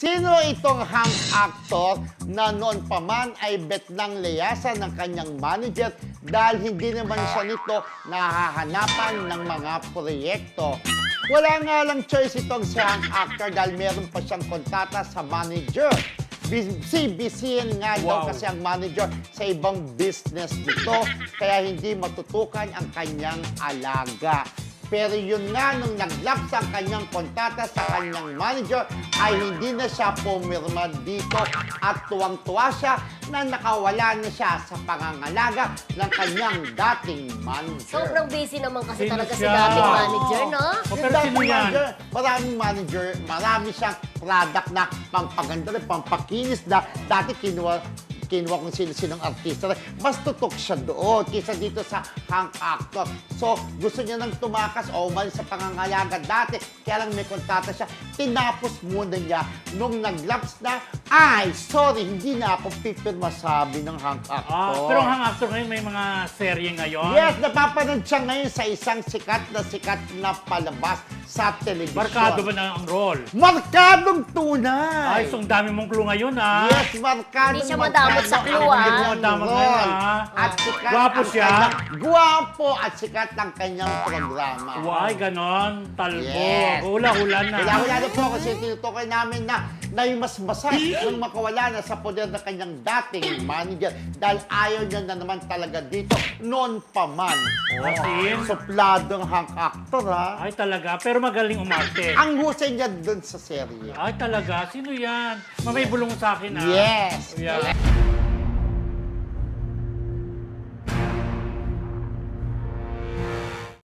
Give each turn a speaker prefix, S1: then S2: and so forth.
S1: Sino itong hang actor na noon pa man ay bet ng layasan ng kanyang manager dahil hindi naman siya nito nahahanapan ng mga proyekto? Wala nga lang choice itong si hang actor dahil meron pa siyang kontata sa manager. Busy-busyin nga daw kasi ang manager sa ibang business nito kaya hindi matutukan ang kanyang alaga. Pero yun nga, nung naglaps ang kanyang kontata sa kanyang manager, ay hindi na siya pumirma dito at tuwang-tuwa siya na nakawala na siya sa pangangalaga ng kanyang dating manager.
S2: Sobrang busy naman kasi
S3: Sino
S2: talaga si
S3: siya?
S2: dating manager, no?
S3: O,
S1: Yung
S3: pero
S1: dating
S3: sino yan?
S1: manager, maraming manager, marami siyang product na pampaganda rin, pampakinis na dati kinuha kung sino-sinong artista. Mas tutok siya doon kaysa dito sa hang actor. So, gusto niya nang tumakas o umalis sa pangangalaga dati. Kaya lang may kontata siya. Tinapos muna niya nung naglaps na, ay, sorry, hindi na ako pipirma, sabi ng hang actor.
S3: Pero ang hang actor ngayon, may mga serye ngayon.
S1: Yes, napapanood siya ngayon sa isang sikat na palabas sa telebisyon.
S3: Barkado ba na ang role?
S1: Markadong tunay!
S3: Ay, so ang dami mong clue ngayon,
S1: Yes, markadong
S2: Hindi siya madamot sa clue, ah.
S3: Hindi mo madamot ngayon, ah.
S1: At sikat
S3: Gwapo
S1: ang
S3: siya?
S1: Gwapo at sikat ang kanyang programa.
S3: Why, ganon? Talbo.
S1: Yes.
S3: Hula-hula na.
S1: Wala na po kasi tinutukoy namin na yung mas masas nang makawala na sa poder ng kanyang dating manager dahil ayaw niya na naman talaga dito noon pa man.
S3: Asin?
S1: Supladong hang actor, ha?
S3: Ay, talaga. Pero magaling umarte.
S1: Ang husay niya dun sa serye.
S3: Ay, talaga. Sino yan? Mamay bulong sa akin, ah.
S1: Yes.
S3: Yeah.